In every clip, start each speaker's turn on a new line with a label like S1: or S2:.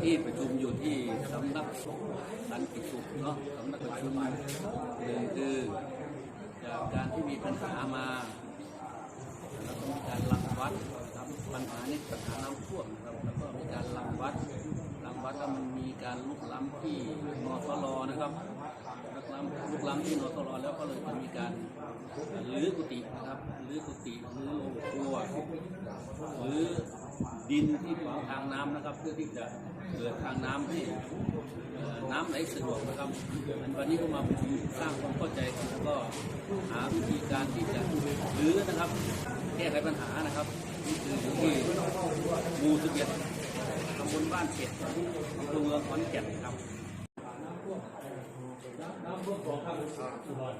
S1: นี้ประชุมอยู่ที่สำนักสงฆ์สันติสุขเนาะสำนักประชุมหนึ่งคือจากการที่มีปัญหามาแล้วก็มีการรังวัดครับปัญหานี้ปัญหาน้ำท่วมนะครับแล้วก็มีการรังวัดแล้วมันมีการลุกล้ำที่นสลนะครับลุกล้ำที่นสลแล้วก็เลยจะมีการรื้อกุฏินะครับรื้อกุฏิรื้อโรงครัวหรือดินที่ขวางทางน้ำนะครับเพื่อที่จะเกิดทางน้ำให้น้ำไหลสะดวกนะครับวันนี้ก็มาสร้างความเข้าใจกันแล้วก็หาวิธีการที่จะรื้อนะครับแก้ไขปัญหานะครับนี่คือที่หมู่11ตำบลบ้านเก็ดอำเภอเมืองขอนแก่นครับน้ำท่วมของข้างสุพรรณ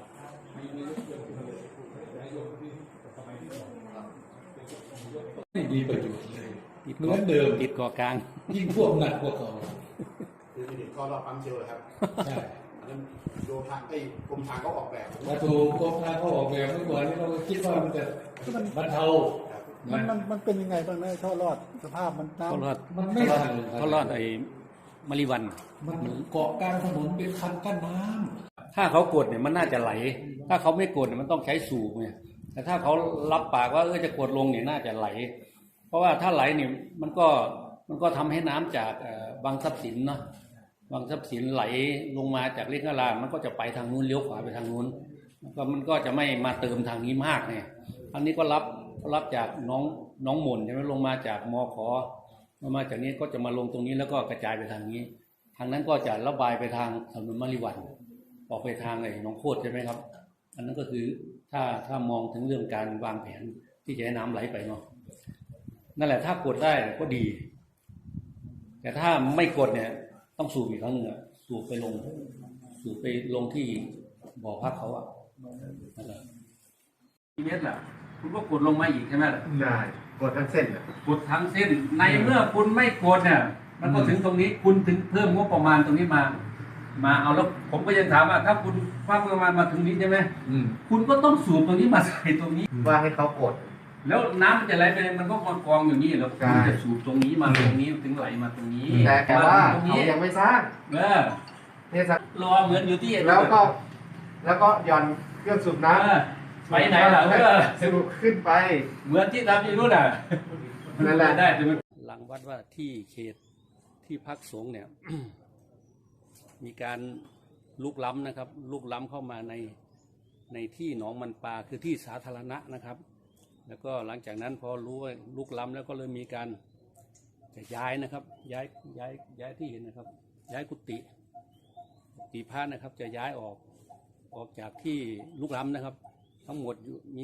S2: มีประโยชน์เลยเหมือนเดิม
S1: ติดเกาะกลาง
S2: ยิ่งท่วมหนักกว่าเก่า
S3: คือมีเด็กท่อรอบปั๊มเชลเลยครับ
S2: ใช่
S3: อันนั้นโยธากรมทางเขาออกแบบ
S2: มาถูกกรมทางเขาออกแบบเมื่อก่อนนี้เราคิดว่ามันจะบรรเทา
S4: มันเป็นยังไงบ้างนะท่อรอดสภาพมันน้
S2: ำมันไม่ทัน
S1: ท่อรอดไอ้มะลิวัน
S2: มันเกาะกลางถนนเป็นคันกั้นน้
S1: ำถ้าเขากดเนี่ยมันน่าจะไหลถ้าเขาไม่กดเนี่ยมันต้องใช้สูบเนี่ยแต่ถ้าเขารับปากว่าจะกดลงเนี่ยน่าจะไหลเพราะว่าถ้าไหลเนี่ยมันก็ทำให้น้ำจากบางทรัพย์สินเนาะบางทรัพย์สินไหลลงมาจากเล็กนาลามันก็จะไปทางนู้นเลี้ยวขวาไปทางนู้นมันก็จะไม่มาเติมทางนี้มากเนี่ยอันนี้ก็รับจากน้องหม่นใช่ไหมลงมาจากมขมาจากนี้ก็จะมาลงตรงนี้แล้วก็กระจายไปทางนี้ทางนั้นก็จะระบายไปทางถนนมะลิวันออกไปทางไอ้หนองโคตรใช่ไหมครับอันนั้นก็คือถ้ามองถึงเรื่องการวางแผนที่จะให้น้ำไหลไปเนาะนั่นแหละถ้ากดได้ก็ดีแต่ถ้าไม่กดเนี่ยต้องสูบอีกครั้งหนึ่งสูบไปลงที่บ่อพักเขานะครับเมตรล่ะคุณก็กดลงมาอีกใช่ไหมล่ะ
S3: ได้กดทั้งเส้น
S1: กดทั้งเส้นในเมื่อคุณไม่กดเนี่ยมันก็ถึงตรงนี้คุณถึงเพิ่มงบประมาณตรงนี้มาเอาแล้วผมก็ยังถามว่าถ้าคุณคว้าประมาณมาถึงนี้ใช่ไหมคุณก็ต้องสูบตรงนี้มาใส่ตรงนี้
S3: ว่าให้เขากด
S1: แล้วน้ำมันจะไหลไปมันก็กองอยู่นี่แล้วคุณจะสูบตรงนี้มาตรงนี้ถึงไหลมาตรงนี้
S3: แต่ว่าเขายังไม่สร้าง
S1: เนี่ยรอเหมือนอยู่ที่
S3: แล้วก็หย่อนเครื่องสูบน้ำ
S1: ไปไหนล่ะ
S3: สูบขึ้นไป
S1: เหมือนที่ทำอยู่นู่นน่ะ
S3: นั่นแหละ
S1: ได้แต่หลังวัดว่าที่เขตที่พักสงฆ์เนี่ยมีการลุกล้ำนะครับลุกล้ำเข้ามาในที่หนองมันปลาคือที่สาธารณะนะครับแล้วก็หลังจากนั้นพอรู้ว่าลุกล้ำแล้วก็เลยมีการจะย้ายนะครับย้ายที่เห็นนะครับย้ายกุฏิพระนะครับจะย้ายออกจากที่ลุกล้ำนะครับทั้งหมดมี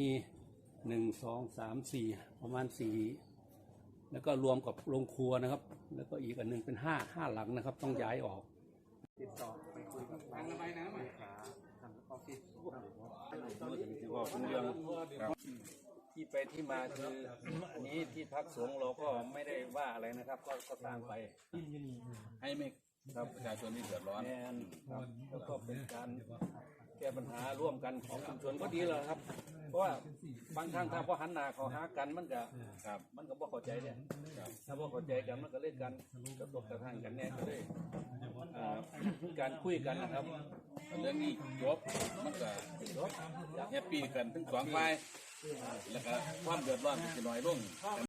S1: 1 2 3 4ประมาณ4แล้วก็รวมกับโรงครัวนะครับแล้วก็อีกอันนึงเป็น5หลังนะครับต้องย้ายออกติดต่อไปคุยกับทางระบายน้ำทางออฟฟิศที่ไปที่มาคืออันนี้ที่พักสงฆ์เราก็ไม่ได้ว่าอะไรนะครับก็สร้างไปให้ไม่ครับประชาชนที่เดือดร้อนครับแล้วก็เป็นการแก้ปัญหาร่วมกันของชุมชนก็ดีแล้วครับเพราะว่าบางครั้งถ้าพอหันหน้าเขาหากันมันก็บ่เข้าใจเนี่ยถ้าบ่เข้าใจกันมันก็เล่นกันกระทบกระทั่งกันแน่ก็เลยการคุยกันนะครับ
S5: เรื่องนี้จบมันก็แฮปปี้กันทั้งสองฝ่ายแล้วก็ความเดือดร้อนจะน้อยลง